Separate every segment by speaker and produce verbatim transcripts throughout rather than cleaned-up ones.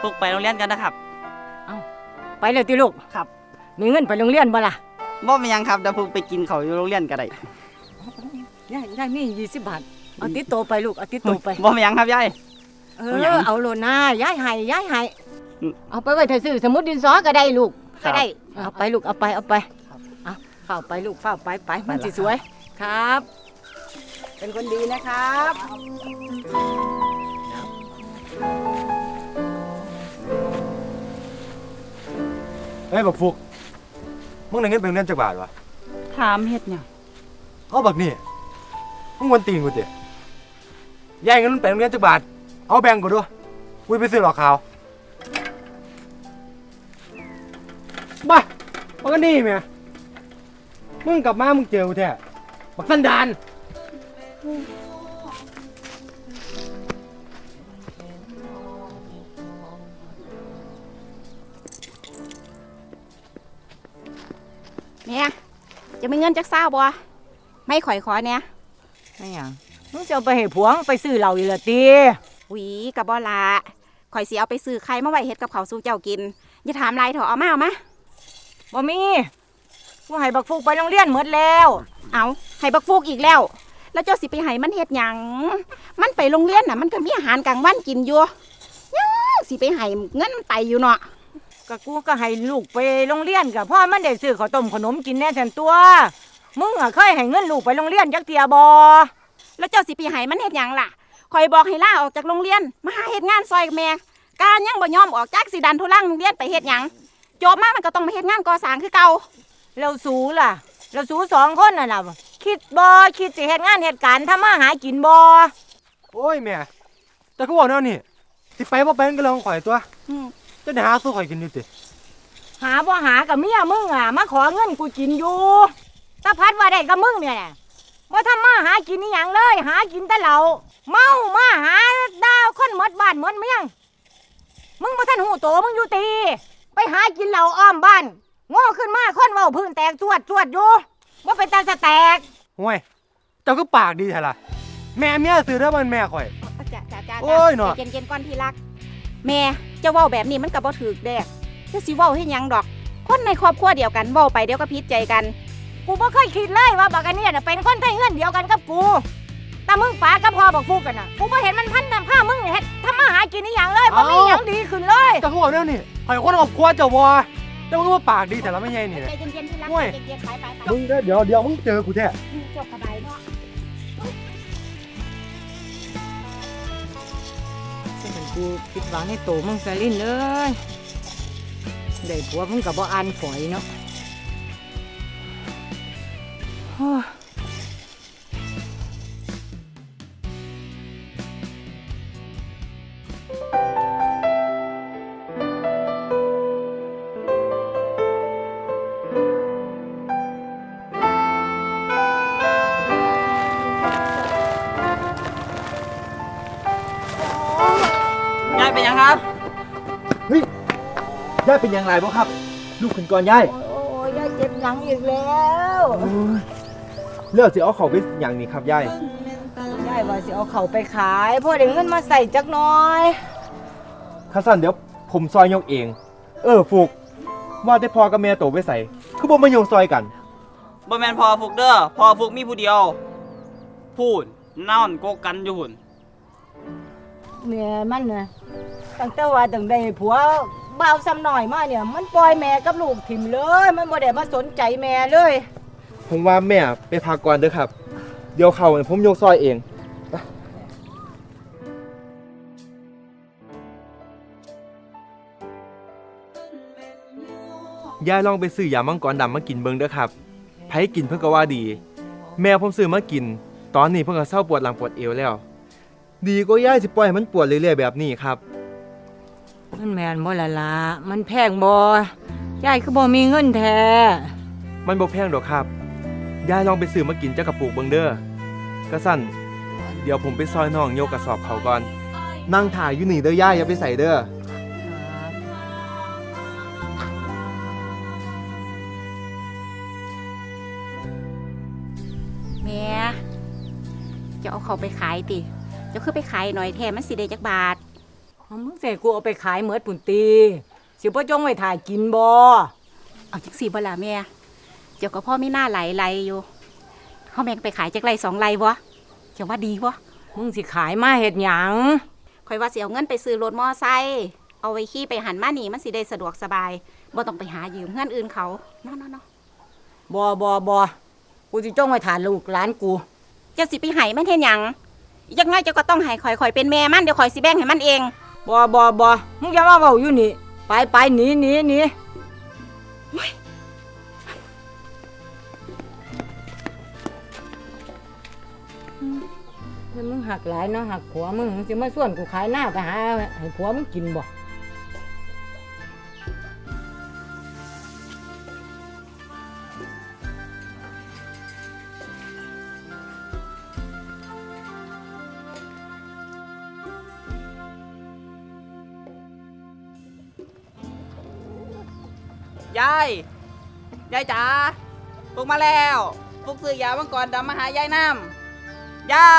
Speaker 1: พวกไปโรงเรียนกันนะครับ
Speaker 2: เอาไปเลยติลูก
Speaker 1: ครับ
Speaker 2: มีเงินไปโรงเรียนบ่ล่ะ
Speaker 1: บ่มีหยังครับเดี๋ยวพวกไปกินข้าวอยู่โรงเรียนก็ได้
Speaker 2: ยายยายมียี่สิบบาทเอาติดโตไปลูกเอาติดโตไป
Speaker 1: บ่มีหยังครับยาย
Speaker 2: เออเอาโลน่ายายให้ยายให้เอาไปไว้ถ้าซื้อสมุดดินสอก็ได้ลูกก็ได้เอาไปลูกเอาไปเอาไปเอาเข้าไปลูกเข้าไปไปมันสิสวยครับเป็นคนดีนะครับ
Speaker 3: เฮ้ยบักฟุกมึงได้เงินเป็นเงินจักบาทวะ
Speaker 1: ถามเฮ็ดหยัง
Speaker 3: เอาบักนี่มึงวันตีนกูติยายเงินเป็นเงินจักบาทเอาแบ่งกูด้วยกูไปซื้อหลอกขาวบ้ามันก็นี่แม่มึงกลับมามึงเจอกูแท้บักสันดาน
Speaker 4: เนี่ยจะมีเงินจักเศร้าบ่ไม่ข่อยขอเนี่ย
Speaker 2: ไม่หยังมึงจะเอาไปให้ผัวไปซื้อเหล้าอีหละติ
Speaker 4: หวีกับบ่ละข่อยสิเอาไปซื้อไข่มาไว้เฮ็ดกับข้าวสู่เจ้ากินอย่าถามไรเถอะเอามาเอามา
Speaker 2: บ่มีกูให้บักฟุกไปโรงเรียนหมดแล้ว
Speaker 4: เอาให้บักฟูกอีกแล้วแล้วเจ้าสิไปให้มันเฮ็ดหยังมันไปโรงเรียนน่ะมันก็มีอาหารกลางวันกินอยู่ยังสิไปให้เงินมันไปอยู่เนาะ
Speaker 2: ก็กูก็ให้ลูกไปโรงเรียนกับพ่อมันได้ซื้อข้าวต้มขนมกินแน่แทนตัวมึงอ่ะเคยให้เงินลูกไปโรงเรียนจักเทียบ่
Speaker 4: แล้วเจ้าสิไปให้มันเฮ็ดหยังล่ะข่อยบอกให้ลาออกจากโรงเรียนมาหาเฮ็ดงานซอยกับแม่การยังบ่ยอมออกจากสิดันทุลังโรงเรียนไปเฮ็ดหยังจบมามันก็ต้องมาเฮ็ดงานก่อสร้างคือเก่า
Speaker 2: เราสูล่ะเราสูสองคนน่ะล่ะคิดบ่คิดสิเฮ็ดงานเฮ็ดการทำมาหากินบ่
Speaker 3: โอ้ยแม่แต่กูบอกแล้วนี่สิไปบ่ไปก็เรื่องของข่อยตัวจะได้หาสู้ข่อยกินอยู่ติ
Speaker 2: หาบ่หากับเมียมึงอ่ะมาขอเงินกูกินอยู่ตาพัดว่าได้กับมึงเนี่ยบ่ทำมาหากินนี่หยังเลยหากินแต่เหล้าเมามาหาดาวคนหมดบ้านหมดเมืองมึงบ่ทันหูโตมึงอยู่ตีไปหากินเหล้าอ้อมบ้านโง่ขึ้นมาคนเว้าพื้นแตกจวดจวดอยู่บ่เป็นตาสะแตก
Speaker 3: ห่วยเจ้าก็ปากดีแท้ล่ะแม่เมียซื้อเด้อมันแม่ข่อย
Speaker 4: จ้าจ้าจ้า
Speaker 3: โอ้ยเนาะ
Speaker 4: เย็นๆก่อนที่รักแม่เจ้าเว้าแบบนี้มันก็บ่ถูกเด้เจ้าสิเว้าเฮ็ดหยังดอกคนในครอบครัวเดียวกันเว้าไปเดี๋ยวก็ผิดใจกัน
Speaker 2: กูบ่เคยคิดเลยว่าบักอันนี้น่ะเป็นคนไทยเฮือนเดียวกันกับกูแต่มึงป๋ากับพ่อบักฟูกกันน่ะกูบ่เห็นมันพันนำผ้ามึงเฮ็ดทำมาหากินอีหยังเลยบ่มีหยังดีขึ้นเลย
Speaker 3: เจ้าก็บอกแล้วนี่ข่อยคนครอบครัวเจ้าบ่เจ้าก็ว่าปากดีแต่ละไม่ใช่นี่
Speaker 4: ใจเย็นๆที่รักใจเย็นๆไปๆ
Speaker 3: มึงเดี๋ยวเดี๋ยวมึงเจอกูแท้
Speaker 4: จบกระบายเนาะ
Speaker 2: กูคิดหวังให้โตมึงซะลิ้นเลยได้ผัวมึงกับบ่อ่านฝอยเนาะ
Speaker 1: ยายเป็นยังครับ
Speaker 3: เฮ้ยยายเป็นยังไงบ้างครับลูกขึ้นก่อนยาย
Speaker 2: โอ้ยยายเจ็บหลังอีกแล้ว
Speaker 3: เลือกสิเอาเขาไปอย่างนี้ครับยาย
Speaker 2: ยายว่าสิเอาเขาไปขายพอได้เงินมาใส่จักหน่อย
Speaker 3: ข้าสั้นเดี๋ยวผมซอยยกเองเออฟุกว่าได้พอกับแม่โตไปใส่คือบ่มาโยงซอยกัน
Speaker 1: บ่แม่นพอฟุกเด้อพอฟุกมีผู้เดียวพูดนอนโกกันอยู่หุ่น
Speaker 2: แม่มันน่ะตั้งแต่ว่าตั้งได้ผัวบ่าวซ้ำหน่อยมาเนี่ยมันปล่อยแม่กับลูกถิ่มเลยมันบ่ได้มาสนใจแม่เลย
Speaker 3: ผมว่าแม่ไปพักก่อนเด้อครับเดี๋ยวเขาผมยกซอยเองยายลองไปซื้อยามังกรดำมากินเบิ่งเด้อครับไผกินเพิ่นก็ว่าดีแม่ผมซื้อมากินตอนนี้เพิ่นก็เศร้าปวดหลังปวดเอวแล้วดีก็ย่ายสิปล่อยมันปวดเรื่อยๆแบบนี้ครับ
Speaker 2: มันแมนบ่ละละมันแพงบ่ยายคือบ่มีเงินแท้
Speaker 3: มันบ่แพงดอกครับยายลองไปซื้อมากินจักกระปุกเบิ่งเด้อกระสั่นเดี๋ยวผมไปซอยน้องโยกกระสอบเขาก่อนนั่งถ่ายอยู่นี่เด้อย่ายอย่าไปใส่เด้อ
Speaker 4: แม่จะเอาเขาไปขายติจะคือไปขายหน่อยแท้มันสิได้จักบาท
Speaker 2: เอามึงใส่กูเอาไปขายเหมือดปุ่นตีสิบ่จงไว้ถ่ายกินบ่
Speaker 4: เอาจังสี่บ่ล่ะแม่เจ้าก็พ่อมีหน้าไหลไหลอยู่เฮาแม่งไปขายจักไรสองไรบ่เจ้าว่าดีบ่
Speaker 2: มึงสิขายมาเฮ็ดหยัง
Speaker 4: ข่อยว่าสิเอาเงินไปซื้อรถมอไซค์เอาไว้ขี่ไปหันมานี่มันสิได้สะดวกสบายบ่ต้องไปหายืมเงินอื่นเขาเนาะๆๆ
Speaker 2: บ่บ่บ่กูสิจงไว้ถ่ายลูกหลานกู
Speaker 4: เจ้าสิไปให้มันเฮ็ดหยังอีกจักหน้อยเจ้าก็ต้องให้ข่อยข่อยเป็นแม่มันเดี๋ยวข่อยสิแบ่งให้มันเอง
Speaker 2: บ่บ่บ่มึงอย่ามาเว้าอยู่นี่ไปไปหนีหนีหนีแล้วมึงหักหลายเนาะหักผัวมึงมึงสิมาส่วนกูขายหน้าไปหาให้ผัวมึงกินบ่
Speaker 1: ยาย ยายจ๋าฟุกมาแล้วฟุกซื้อยามังกรดำมาหายายน้ำยาย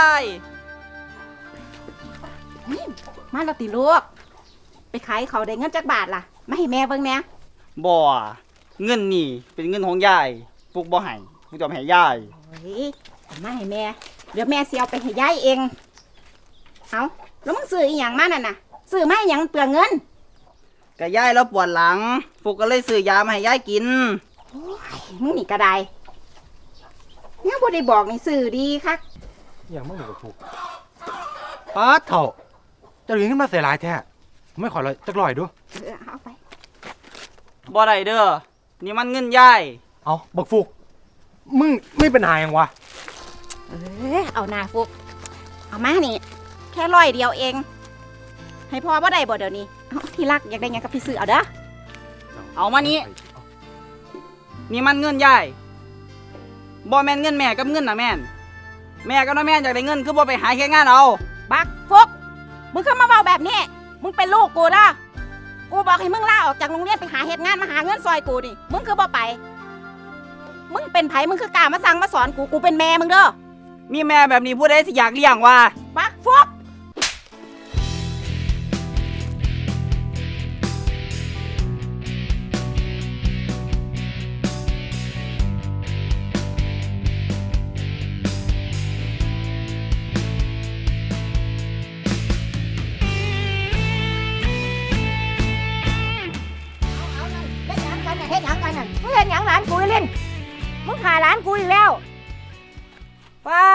Speaker 4: มาแล้วติลูกไปขายเขาได้เงินจักบาทล่ะมาให้แม่เบิ่งแหน่
Speaker 1: บ่เงินนี่เป็นเงินของยายฟุกบ่ให้ฟุกจะเอาไปให้ยาย
Speaker 4: โอ้ยเอามาให้แม่เดี๋ยวแม่สิเอาไปให้ยายเองเอาแล้วมึงซื้ออีหยังมานั่นน่ะซื้อมาอีหยังเปลืองเงิน
Speaker 1: ก็ยายแล้วปวดหลังฟุกก็เลยซื้อยามาให้ยายกิน
Speaker 4: มึงนี่ก็ได้เนี่ยบ่ได้บอกนี่ซื้อดีคัก
Speaker 3: อย่างมึงก็ถูกป้าดเถ่าเจะเลี้ยงขึ้นมาเสียหลายแท้ไม่ขอเลยจักลอยดู
Speaker 4: เออเอาไป
Speaker 1: บ่ได้เด้อนี่มันเงินยาย
Speaker 3: เอาบักฟุกมึงไม่เป็นหายังวะ
Speaker 4: เออเอาหน้าฟุกเอามานี่แค่ร้อยเดียวเอง ให้พ่อบ่ได้บ่เดี๋ยวนี้เอาที่รักอยากได้หยังก็ไปซื้อเอาเด้อ
Speaker 1: เอามานี่นี่มันเงินยายบ่แม่นเงินแม่กับเงินน่ะแม่นแม่กับน้าแม่นอยากได้เงินคือบ่ไปหาแค่งานเอา
Speaker 4: บักฟุกมึงเข้ามาเว้าแบบนี้มึงเป็นลูกกูนะกูบอกให้มึงลาออกจากโรงเรียนไปหาเฮ็ดงานมาหาเงินซอยกูนี่มึงคือบ่ไป มึงเป็นไผมึงคือกล้ามาสั่งมาสอนกูกูเป็นแม่มึงเด้อ
Speaker 1: มีแม่แบบนี้ผู้ใดสิอยากเลี้ยงวะ
Speaker 4: บักฟุก
Speaker 2: เฮ็ดหยังกันน่ะเฮ็ดหยังกันน่ะมึงเฮ็ดหยังหลานกูอีเล่นมึงฆ่าหลานกูอีกแล้วว้า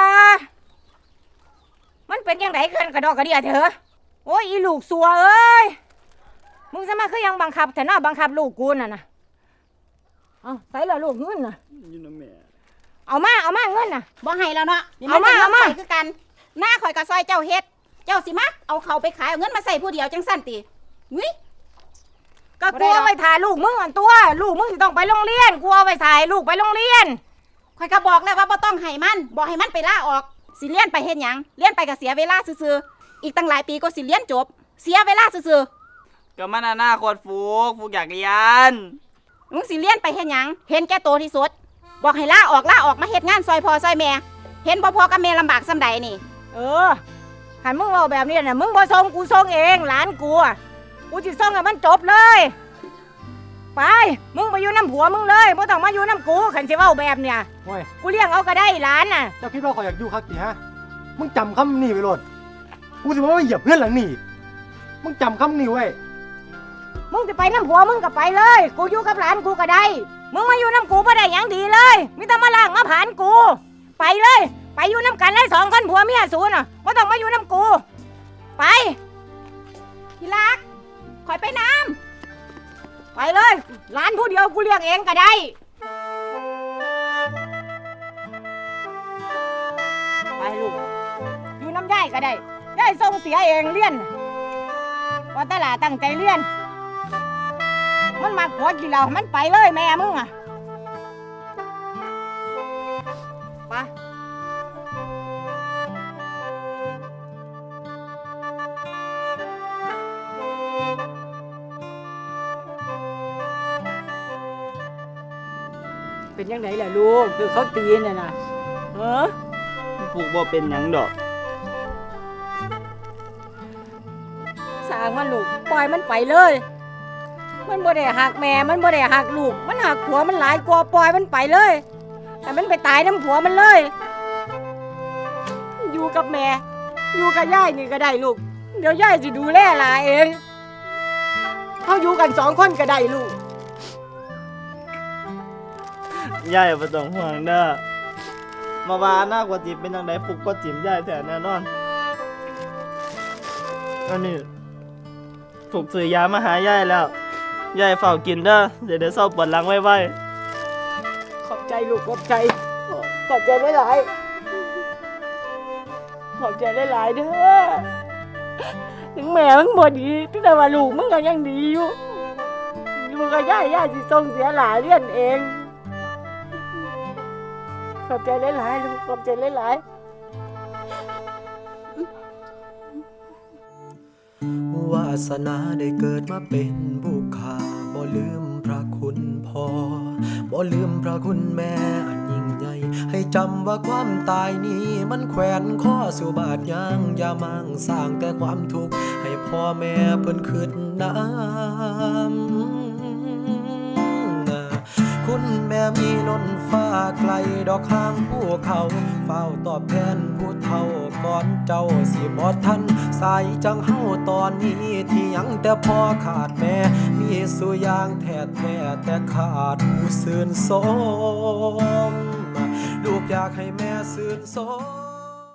Speaker 2: มันเป็นยังไงเกินกระดอกกระเดียเถอะโอ้ยอีลูกสัวเอ้ยมึงจะมาคือยังบังคับแต่น่าบังคับลูกกูน่ะนะเอาใส่ละลูกเงินน่ะ
Speaker 1: อยู่นะแม่
Speaker 2: เอามาเอามาเงินน่ะ
Speaker 4: บ่ให้แล้วเนาะนี่
Speaker 2: เอามา
Speaker 4: จะ
Speaker 2: เอามา
Speaker 4: ข่อยคือกันหน้าข่อยกับซอยเจ้าเฮ็ด เจ้าสิมาเอาเขาไปขายเอาเงินมาใส่ผู้เดียวจังสั้นติงุ้ย
Speaker 2: ก็
Speaker 4: บ่ได้
Speaker 2: กู
Speaker 4: หรอก
Speaker 2: เอาไปถ่ายลูกมึงอันตัว ลูกมึงจะต้องไปโรงเรียนกูเอาไปถ่ายลูกไปโรงเรียน
Speaker 4: ข่อยก็บอกแล้วว่าบ่ต้องให้มันบอกให้มันไปลาออกสิเรียนไปเฮ็ดหยังเรียนไปก็เสียเวลาซื่อๆอีกตั้งหลายปีก็สิเรียนจบ เสียเวลาซื่อ
Speaker 1: ก็มันอนาคตฟุกฟุกอยากเรียน
Speaker 4: ๆมึงสิเรียนไปเฮ็ดหยังเห็นแก่โตวที่สุดบอกให้ลาออกลาออกมาเฮ็ดงานซอยพ่อซอยแม่เห็นบ่พ่อกับแม่ลำบากส่ำใดนี่
Speaker 2: เออหันมึงเอาแบบนี้น่ะมึงบ่ส่งกูส่งเองหลานกูอะกูจะส่งให้มันจบเลย ไปมึงไปอยู่น้ำผัวมึงเลยไม่ต้องมาอยู่น้ำกูขันสิเว้าแบบเนี่ย
Speaker 3: โอ้ย
Speaker 2: กูเลี้ยงเอาก็ได้หลานน่ะ
Speaker 3: เจ้าคิดว่าขอยอยากอยู่คักติฮะมึงจำคำนี้ไว้โลดกูสิว่าไม่เหยียบเพื่อนหลังนี่มึงจำคำนี้ไว้
Speaker 2: มึงจะไปน้ำผัวมึงก็ไปเลย กูอยู่กับหลานกูก็ได้ มึงมาอยู่น้ำกูไม่ได้หยังดีเลยมิต้องมาล่างมาผ่านกู ไปเลย ไปอยู่น้ำกันเลยสองคนผัวเมียสูน่ะไม่ต้องมาอยู่น้ำกู ไป
Speaker 4: ที่รักข่อยไปน้
Speaker 2: ไปเลยหลานผู้เดียวกูเลี้ยงเองก็ได้ ไปลูก อยู่น้ำย่ายก็ได้ย่ายส่งเสียเองเลี้ยนว่าแตหลาตั้งใจเลี้ยน มันมาขอกินเรามันไปเลยแม่มึงอ่ะไปเป็นยังไงล่ะลูกคือเขาตีน่ะนะเออ
Speaker 1: ฟุกบ่เป็นหยังดอก
Speaker 4: ำสา
Speaker 2: างมันลูกปล่อยมันไปเลย มันบ่ได้หักแม่มันบ่ได้หักลูกมันหักผัวมันหลายกว่าปล่อยมันไปเลยให้มันไปตายน้ำผัวมันเลย อยู่กับแม่อยู่กับยายนี่ก็ได้ลูกเดี๋ยวยายสิดูแลหลานเองเขาอยู่กันสองคนก็ได้ลูก
Speaker 5: ยายบ่ต้องห่วงเด้อมาว่าหน้ากว่าจิมเป็นจังไดปลุกก็จิมยายแท้แน่นอนอันนี้ถูกซื้อยามาหายายแล้วยายเฝ้ากินเด้อเดี๋ยวได้เศร้าปวดหลังไว้ๆ
Speaker 2: ขอบใจลูกขอบใจขอบใจหลายๆขอบใจหลายๆเด้อถึงแม่มึงบ่ดีแต่ว่าลูกมึงก็ยังดีอยู่ลูกก็ย่าย่าสิส่งเสียหลายเรียนเองขอบใจหลายๆลูกขอบใจหลายๆ
Speaker 6: วาสนาได้เกิดมาเป็นบุคคาบ่ลืมพระคุณพ่อบ่ลืมพระคุณแม่อันยิ่งใหญ่ให้จำว่าความตายนี้มันแขวนข้อสู่บาดยางอย่ามั่งสร้างแต่ความทุกข์ให้พ่อแม่เพิ่นคิดน้ำคุณแม่มีล้นฟ้าไกลดอกข้างภูเขาเฝ้าตอบแทนผู้เฒ่าก่อนเจ้าสิบ่ทันสายจังเฮาตอนนี้ที่ยังแต่พ่อขาดแม่มีสุยางแท้แท้แต่ขาดผู้ซื่นสมลูกอยากให้แม่ซื่นสม